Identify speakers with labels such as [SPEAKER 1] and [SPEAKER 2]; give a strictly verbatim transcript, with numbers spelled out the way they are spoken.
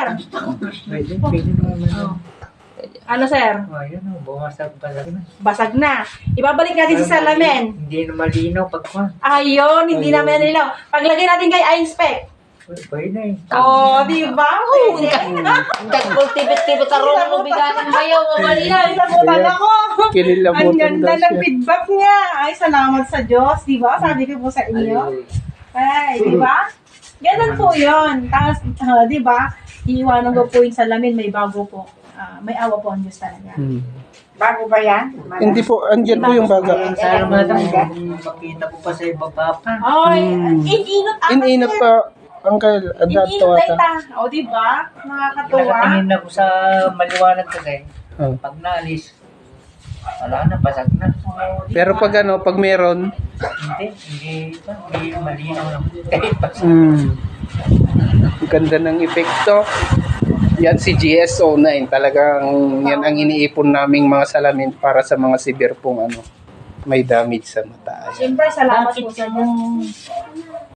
[SPEAKER 1] sir?
[SPEAKER 2] Pwede, pwede naman.
[SPEAKER 1] Oh. Ano, sir?
[SPEAKER 2] Oh, yun o, bumasag basag na.
[SPEAKER 1] Basag na. Ibabalik natin sa salamin.
[SPEAKER 2] Hindi na malinaw pagkuhan.
[SPEAKER 1] Ayun, hindi
[SPEAKER 2] Ayun.
[SPEAKER 1] naman nilaw. Paglagay natin kay I-inspect.
[SPEAKER 2] Pwede na eh.
[SPEAKER 1] Oh, di ba?
[SPEAKER 3] Oo, nagkultibit-tibit ka rin mo biganan ba yun?
[SPEAKER 1] Malinaw, isabutan ako. Ang
[SPEAKER 4] Kinilabutan
[SPEAKER 1] ganda
[SPEAKER 4] daw
[SPEAKER 1] ng
[SPEAKER 4] siya.
[SPEAKER 1] feedback niya. Ay, salamat sa Diyos, di ba? Sabi ko po sa inyo. Ay, di ba? Ganun po yun. Tapos, uh, di ba? Iiwanan ko po yung salamin, may bago po. Ah, may awa po ang Diyos talaga.
[SPEAKER 4] Hmm.
[SPEAKER 1] Bago ba yan?
[SPEAKER 4] Hindi po, andyan po yung baga.
[SPEAKER 2] Sana madam, makita ko pa sa iba pa pa.
[SPEAKER 1] Ay,
[SPEAKER 4] Hmm.
[SPEAKER 1] ininot ako.
[SPEAKER 4] Ininap pa, Uncle, adapt to
[SPEAKER 1] Ininot
[SPEAKER 4] ata.
[SPEAKER 1] tayo. O, di ba? Nakakatuwa.
[SPEAKER 2] Nakatingin ako sa maliwanag kasi.
[SPEAKER 4] Oh.
[SPEAKER 2] Pag naalis, wala na, basag na.
[SPEAKER 1] O, di
[SPEAKER 4] Pero
[SPEAKER 1] ba?
[SPEAKER 4] pag ano, pag meron,
[SPEAKER 2] Hindi, hindi, hindi malinaw lang. Kahit basag.
[SPEAKER 4] hmm, ang ganda ng epekto. Yan si G S O nine, talagang yan ang iniipon naming mga salamin para sa mga severe pong ano, may damage sa mata. Ayan.
[SPEAKER 1] Siyempre, salamat
[SPEAKER 2] Bakit
[SPEAKER 1] po sa
[SPEAKER 2] yung